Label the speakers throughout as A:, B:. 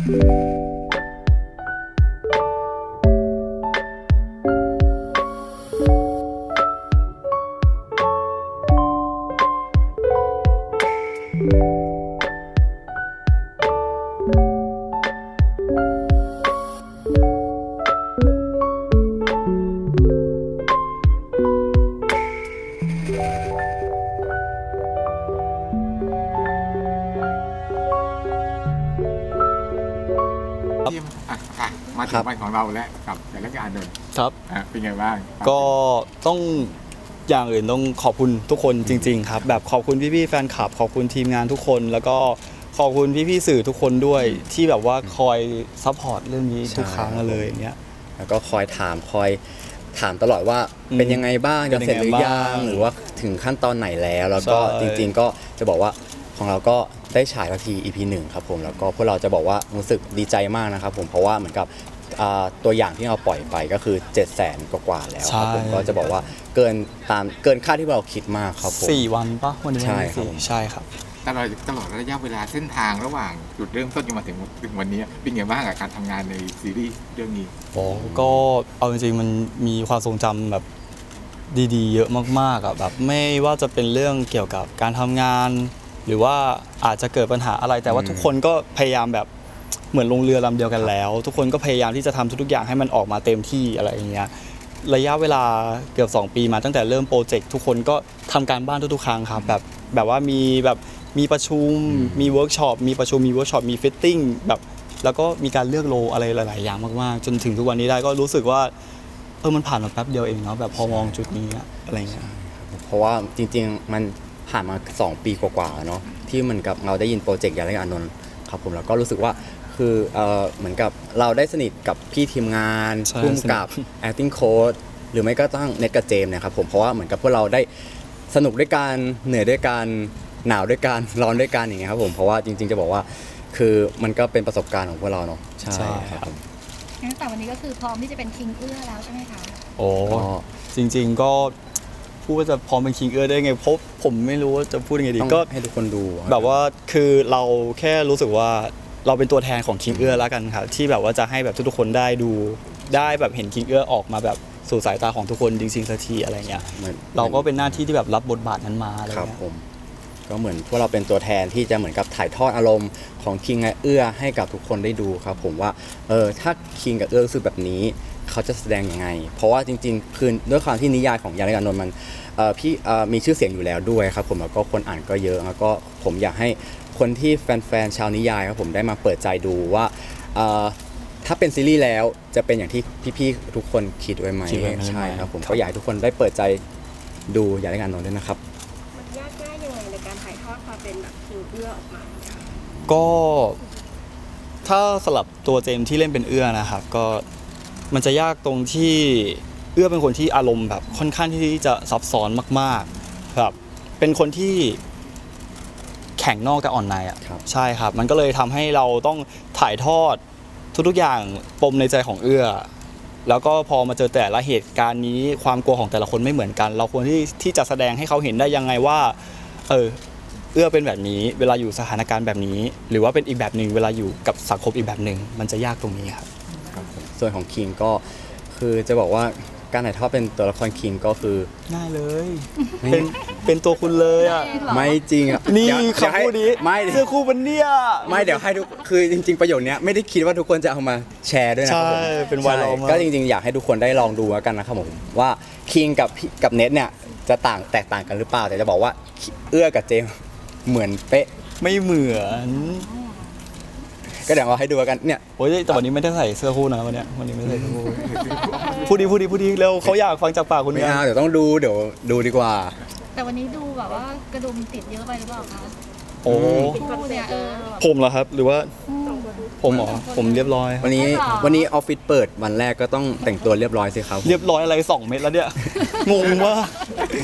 A: มาถึงวันของเราแล้วกับแต่ละการเดิน
B: ครับ
A: เป็นไงบ้าง
B: ก็ต้องอย่างอื่นต้องขอบคุณทุกคนจริงๆครับแบบขอบคุณพี่ๆแฟนคลับขอบคุณทีมงานทุกคนแล้วก็ขอบคุณพี่ๆสื่อทุกคนด้วยที่แบบว่าคอยซัพพอร์ตเรื่องนี้ทุกครั้งเลยอย่างเงี้ย
C: แล้วก็คอยถามตลอดว่าเป็นยังไงบ้างจะเสร็จหรือยังหรือว่าถึงขั้นตอนไหนแล้วก็จริงๆก็จะบอกว่าของเราก็ได้ฉายที EP 1ครับผมแล้วก็พวกเราจะบอกว่ารู้สึกดีใจมากนะครับผมเพราะว่าเหมือนกับตัวอย่างที่เราปล่อยไปก็คือ 700,000 กว่าแล้วครับผมก็จะบอกว่าเกินคาดที่เราคิดมากครับผม
B: 4 วันป่ะวันนี้ใช่ครับ
A: ตลอดระยะเวลาเส้นทางระหว่างจุดเริ่มต้นจนมาถึงวันนี้เป็นไงบ้างกับการทำงานในซีรีส์เรื่องนี้
B: ก็เอาจริงๆมันมีความทรงจำแบบดีๆเยอะมากๆอ่ะแบบไม่ว่าจะเป็นเรื่องเกี่ยวกับการทำงานหรือว่าอาจจะเกิดปัญหาอะไรแต่ว่าทุกคนก็พยายามแบบเหมือนลงเรือลำเดียวกันแล้วทุกคนก็พยายามที่จะทำทุกๆอย่างให้มันออกมาเต็มที่อะไรอย่างเงี้ยระยะเวลาเกือบ2 ปีมาตั้งแต่เริ่มโปรเจกต์ทุกคนก็ทำการบ้านทุกๆครั้งครับแบบว่ามีประชุมมีเวิร์กช็อปมีประชุมมีเวิร์กช็อปมีฟิตติ้งแบบแล้วก็มีการเลือกโลอะไรหลายๆอย่างมากๆจนถึงทุกวันนี้ได้ก็รู้สึกว่ามันผ่านมาแป๊บเดียวเองเนาะแบบพอมองจุดนี้อะไรเงี้ย
C: เพราะว่าจริงๆมันผ่านมา2 ปีกว่าๆเนาะที่เหมือนกับเราได้ยินโปรเจกต์ยาและอานนท์ครับผมแล้วก็รู้สึกว่าคือเหมือนกับเราได้สนิทกับพี่ทีมงานร่วมกับ acting coach หรือไม่ก็ต้องเน็ตกับเจมส์นะครับผมเพราะว่าเหมือนกับพวกเราได้สนุกด้วยกันเหนื่อยด้วยกันหนาวด้วยกันร้อนด้วยกันอย่างเงี้ยครับผมเพราะว่าจริงๆจะบอกว่าคือมันก็เป็นประสบการณ์ของพวกเราเนาะใช่ครับ
D: งั้นแต่วันนี้ก็คือพร้อมที่จะเป็นคิงเอื้อแล้วใช่ไหมคะ
B: จริงๆก็พูดว่าจะพร้อมเป็นคิงเอื้อได้ไงเพราะผมไม่รู้ว่าจะพูดยังไงดีก็
C: ให้ทุกคนดู
B: แบบว่าคือเราแค่รู้สึกว่าเราเป็นตัวแทนของคิงเอื้อแล้วกันครับที่แบบว่าจะให้แบบทุกคนได้ดูได้แบบเห็นคิงเอื้อออกมาแบบสู่สายตาของทุกคนจริงๆสักทีอะไรเงี้ยเราก็เป็นหน้าที่ที่แบบรับบทบาทนั้นมาอะไรเงี้ย
C: ก็เหมือนพวกเราเป็นตัวแทนที่จะเหมือนกับถ่ายทอดอารมณ์ของคิงกับเอื้อให้กับทุกคนได้ดูครับผมว่าถ้าคิงกับเอื้อรู้สึกแบบนี้เขาจะแสดงยังไงเพราะว่าจริงๆคือด้วยความที่นิยายของยาและอานนท์มันพี่มีชื่อเสียงอยู่แล้วด้วยครับผมแล้วก็คนอ่านก็เยอะแล้วก็ผมอยากให้คนที่แฟนๆชาวนิยายครับผมได้มาเปิดใจดูว่าถ้าเป็นซีรีส์แล้วจะเป็นอย่างที่พี่ๆทุกคนคิดไว้ไหมใช่ครับผมก็อยากให้ทุกคนได้เปิดใจดูยาและอานนท์ด้วยนะครับ
D: ยากง่ายยังไงในการถ่ายทอดความเป็นแบบคิงเอื้อออกมา
B: ก็ถ้าสลับตัวเจมส์ที่เล่นเป็นเอื้อนะครับก็มันจะยากตรงที่เอื้อเป็นคนที่อารมณ์แบบค่อนข้างที่จะซับซ้อนมากๆแบบเป็นคนที่แข็งนอกแต่อ่อนในอ่ะใช่ครับมันก็เลยทำให้เราต้องถ่ายทอดทุกๆอย่างปมในใจของเอื้อแล้วก็พอมาเจอแต่ละเหตุการณ์นี้ความกลัวของแต่ละคนไม่เหมือนกันเราควรที่จะแสดงให้เขาเห็นได้ยังไงว่าเอื้อเป็นแบบนี้เวลาอยู่สถานการณ์แบบนี้หรือว่าเป็นอีกแบบหนึ่งเวลาอยู่กับสังคมอีกแบบหนึ่งมันจะยากตรงนี้ครับ
C: ส่วนของคิงก็คือจะบอกว่าการถ่ายทอดเป็นตัวละครคิงก็คือ
B: ง่ายเลยเป็นตัวคุณเลยอ่ะ
C: ไม่จริงอ่ะ
B: นี่คำพูดนี้เสื้อคู่มันเนี่ย
C: ไม่เดี๋ยวให้ทุกคือจริงๆประโยชน์เนี้ยไม่ได้คิดว่าทุกคนจะเอามาแชร์ด้วยนะครับผม
B: เป็นไวรัลมาก
C: ก็จริงๆอยากให้ทุกคนได้ลองดูแล้วกันนะครับผมว่าคิงกับเน็ตเนี่ยจะแตกต่างกันหรือเปล่าแต่จะบอกว่าเอื้อกับเจมเหมือนเป๊ะ
B: ไม่เหมือน
C: ก็เดี๋ยวเราให้ดูกันเนี่ย
B: โอ้ยแต่วันนี้ไม่ได้ใส่เสื้อคู่นะวันนี้ไม่ใส่เสื้อคู่พูดดีเร็วเขาอยากฟังจากปากคุณ
C: ไม่เอาเดี๋ยวต้องดูดีกว่า
D: แต่วันนี้ดูแบบว่ากระดุมติดเยอะไปหรือเปล่าคะ
B: โอ้ผมเหรอครับหรือว่าผมเรียบร้อย
C: วันนี้ออฟฟิศเปิดวันแรกก็ต้องแต่งตัวเรียบร้อยสิครับ
B: เรียบร้อยอะไร2 เม็ดแล้วเนี่ยงงมาก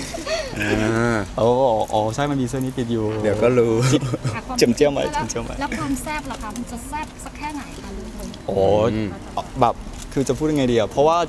B: ใช่มันมีเสื้อนี้ติดอยู่
C: เดี๋ยวก็รู้
B: เจียมไว้
D: แล้วความแซ่บล่ะคะมันจะแซ่บสักแค่ไหนคะลุงพล
B: แบบคือจะพูดยังไงดีอะเพราะว่า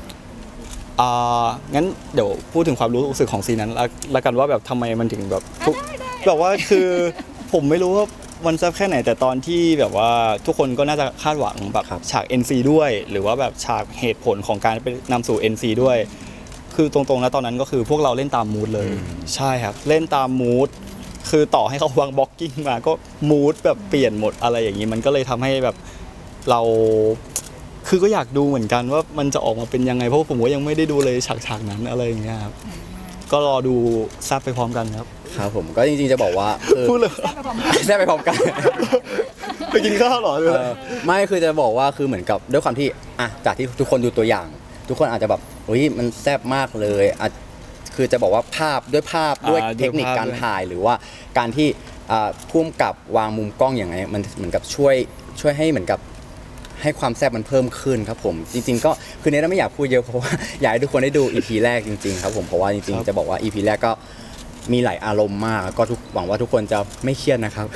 B: งั้นเดี๋ยวพูดถึงความรู้สึกของซีนนั้นละกันว่าแบบทำไมมันถึงแบบว่าคือผมไม่รู้ว่ามันแซ่บแค่ไหนแต่ตอนที่แบบว่าทุกคนก็น่าจะคาดหวังแบบ
C: ครับ
B: ฉาก NC ด้วย หรือว่าแบบฉากเหตุผลของการไปนำสู่ NC ด้วย คือตรงๆแล้วตอนนั้นก็คือพวกเราเล่นตามมูดเลย ใช่ครับเล่นตามมูดคือต่อให้เขาวางบล็อกกิ้งมาก็มูดแบบเปลี่ยนหมดอะไรอย่างนี้มันก็เลยทำให้แบบเราคือก็อยากดูเหมือนกันว่ามันจะออกมาเป็นยังไงเพราะว่าผมก็ยังไม่ได้ดูเลยฉากนั้นอะไรอย่างเงี้ยครับก็รอดูแซ่บไปพร้อมกันครับ
C: ครับผมก็จริงๆจะบอกว่าคือ
B: พูดเลย
D: แซ่บไปพร้อมกัน
C: ได้ไปพร้อมกัน
B: ไปกินข้าวเหรอ
C: ไม่คือจะบอกว่าคือเหมือนกับด้วยความที่อ่ะจากที่ทุกคนดูตัวอย่าง ทุกคนอาจจะแบบอุ้ยมันแซ่บมากเลยอ่ะคือจะบอกว่าภาพด้วยเทคนิคการถ่ายหรือว่าการที่พุ่มกับวางมุมกล้องอย่างไรมันเหมือนกับช่วยให้เหมือนกับให้ความแซ่บมันเพิ่มขึ้นครับผมจริงๆก็คือเนทไม่อยากพูดเยอะเพราะว่าอยากให้ทุกคนได้ดู EP แรกจริงๆครับผมเพราะว่าจริงๆจะบอกว่า EP แรกก็มีหลายอารมณ์มากก็หวังว่าทุกคนจะไม่เครียดนะครับ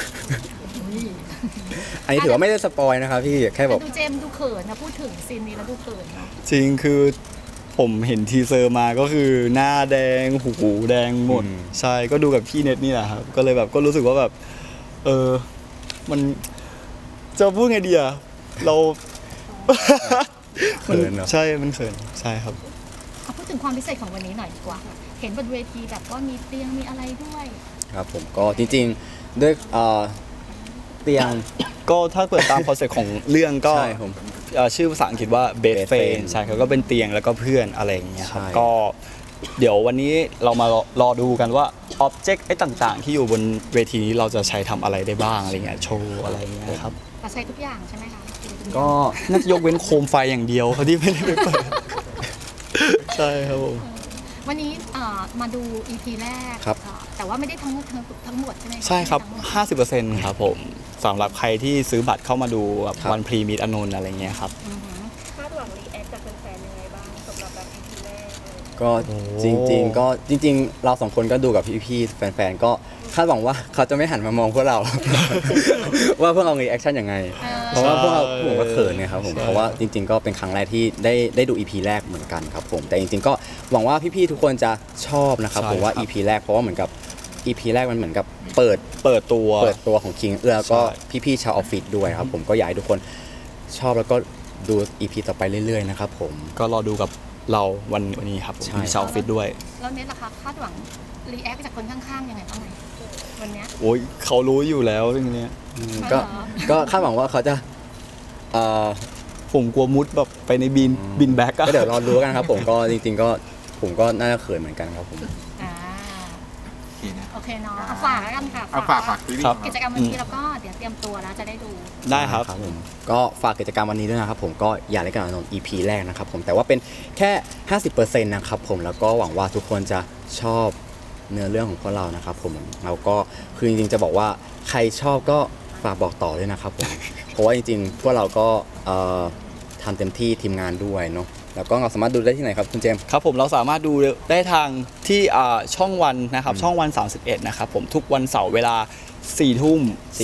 C: อันนี้ถือว่าไม่ได้สปอยนะครับพี่แค่แบบ
D: ดูเจมส์ดูเขินนะพูดถึงซีนนี้แล้วดูเขินเนาะ
B: จริงคือผมเห็นทีเซอร์มาก็คือหน้าแดงหูแดงหมดใช่ก็ดูกับพี่เน็ตนี่แหละครับก็เลยแบบก็รู้สึกว่าแบบมันจะพูดไงดีอะเรา
C: เขินเนอะ
B: ใช่มันเขินใช่ครับ
D: เอาพูดถึงความพิเศษของวันนี้หน่อยดีกว่า เห็นบนเวทีแบบว่ามีเตียงมีอะไรด้วย
C: ครับผมก็จริงๆด้วยเตียง
B: ก็ถ้าเปิดตามคอนเซ็ปต์ของเรื่องก็
C: ใช่ผม
B: ชื่อภาษาอังกฤษว่า bed
C: Bed
B: friend
C: Friend
B: ใช่ครับก็เป็นเตียงแล้วก็เพื่อนอะไรอย่างเงี้ยครับ
C: ใช่
B: ก็เดี๋ยววันนี้เรามารอดูกันว่าอ็อบเจกต์ไอ้ต่างๆ ที่อยู่บนเวทีนี้เราจะใช้ทำอะไรได้บ้างอะไรเงี้ยโชว์อะไรเงี้ยครับ
D: เราใช้ทุกอย่างใช่ไหมคะ
C: ก็
B: น่าจะยกเว้นโคมไฟอย่างเดียวเขาที่ไม่ได้ไปเปิด ใช่ครับผม
D: วันนี้มาดู EP แรก
C: ครับ
D: แต่ว่าไม่ได้ทั้งหมดใช่ไหมะ
B: ใช่ครับ
D: ไม่ได้ทั้งหมด
B: 50%ครับผมสำหรับใครที่ซื้อบัตรเข้ามาดูแบบ
C: ครับ
B: วันพรีมิตอนนท์อะไรเงี้ยครับ
D: อือหือ
E: คาดหวังรีแอคจากแฟนๆยังไงบ้างสำหรับแบบ EP แรกเลย
C: ก็
B: โอ้
C: จริงๆเราสองคนก็ดูกับพี่ๆแฟนๆก็คาดหวังว่าเขาจะไม่หันมามองพวกเรา ว่าพวกเรารีแอคชั่นยังไง เพราะว่าพวกเราผมก็เขินไงครับผมเพราะว่าจริง ๆ ก็เป็นครั้งแรกที่ได้ดู EP แรกเหมือนกันครับผมแต่จริงๆก็หวังว่าพี่ๆทุกคนจะชอบนะครับผมว่า EP แรกเพราะว่าเหมือนกับ EP แรกมันเหมือนกับเปิดตัวของคิงเอื้อแล้วก็พี่ๆชาวออฟฟิศด้วยครับผมก็อยากให้ทุกคนชอบแล้วก็ดู EP ต่อไปเรื่อยๆนะครับผม
B: ก็รอดูกับเราวันนี้ครับผม
C: ใช่
B: มีชาวออฟฟิศด้วย
D: แล้วเน็ตล่ะคะคาดหวังรีแอคจากคนข้างๆยังไงบ้างไหมวันเนี้ย
B: โอ้ยเขารู้อยู่แล้วเรื่องเนี้ย
C: ก็
D: เหรอ
C: ก็คาดหวังว่าเขาจะเอ่อ
B: ผมกลัวมุดแบบไปในบินแบ็กอะ
C: ก็เดี๋ยวรอดูกันครับผมก็จริงๆก็ผมก็น่าจะเขินเหมือนกันครับผม
D: อ่า
A: โอเคนะ
D: โอเคเนาะเอาฝากแล้วกันค่ะ
A: เอาฝากซีรีส์
B: ครับ
A: ของ
D: กิ
A: เรา
D: จกรรมวันนี้แล้วก็เดี๋ยวเตรียมตัวแล้วจะได้ดู
B: ได้ครับ
C: ผมก็ฝากกิจกรรมวันนี้ด้วยนะครับผมก็อยากได้กันอนนท์ EP แรกนะครับผมแต่ว่าเป็นแค่ 50%นะครับผมแล้วก็หวังว่าทุกคนจะชอบเนื้อเรื่องของพวกเรานะครับผมเราก็คือจริงๆจะบอกว่าใครชอบก็ฝากบอกต่อด้วยนะครับผมเพราะว่าจริงๆพวกเราก็ทำเต็มที่ทีมงานด้วยเนาะแล้วก็เราสามารถดูได้ที่ไหนครับคุณเจมส์
B: ครับผมเราสามารถดูได้ทางที่ช่องวันนะครับช่องวัน 31นะครับผมทุกวันเสาร์เวลา4 ทุ่ม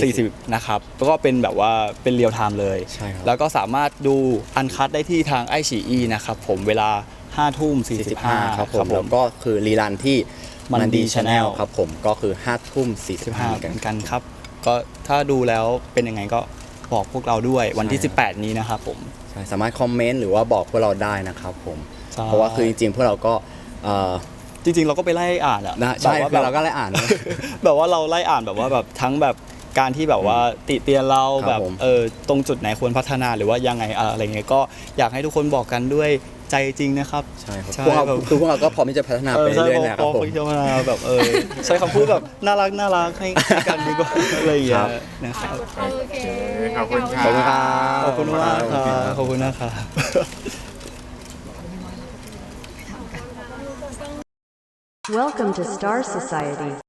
B: 40นะครับแล้วก็เป็นแบบว่าเป็นเรียลไทม์เลย
C: ใช่ครับ
B: แล้วก็สามารถดูอันคัดได้ที่ทางไอชีอีนะครับผมเวลา5 ทุ่ม 45
C: ครับผมแล้วก็คือรีรันที่
B: มันดี
C: ชาแนล
B: Channel
C: ครับผมก็คือ5 ทุ่ม 45
B: เหมือนกันครับก็ถ้าดูแล้วเป็นยังไงก็บอกพวกเราด้วยวันที่ 18 นี้นะครับผม
C: ใช่สามารถคอมเมนต์หรือว่าบอกพวกเราได้นะครับผม
B: ใช่
C: เพราะว่าคือจริงๆพวกเราก็
B: จริงๆเราก็ไปไล่อ่านอะ
C: นะใช่
B: แบบ
C: คือ
B: ว่า
C: เราก็ได้อ่านนะ
B: แบบว่าเราไล่อ่านแบบว่าแบบทั้งแบบการที่แบบว่าติเตียนเรา
C: ครับ
B: แบบ
C: ผม
B: ตรงจุดไหนควรพัฒนาหรือว่ายังไงอะไรเงี้ยก็อยากให้ทุกคนบอกกันด้วยใจจริงนะครับ
C: ใช่ครับ
B: ใช่
C: พวกเรา
B: แบบ
C: คือพวกเราก็พร้อมที่จะพัฒนาไปเรื่อยๆนะครับผม
B: พัฒนาแบบใช้คำพูดแบบน่ารักให้กันดีกว่าอะไรอย่างเงี้
C: ครั
B: ย
C: บ
B: นะครับ
D: โอเค
A: ขอบคุณค
C: ข
A: รั
C: อบคุณครับ
B: ขอบคุณมากครับขอบคุณนะครับ
F: Welcome to Star Society.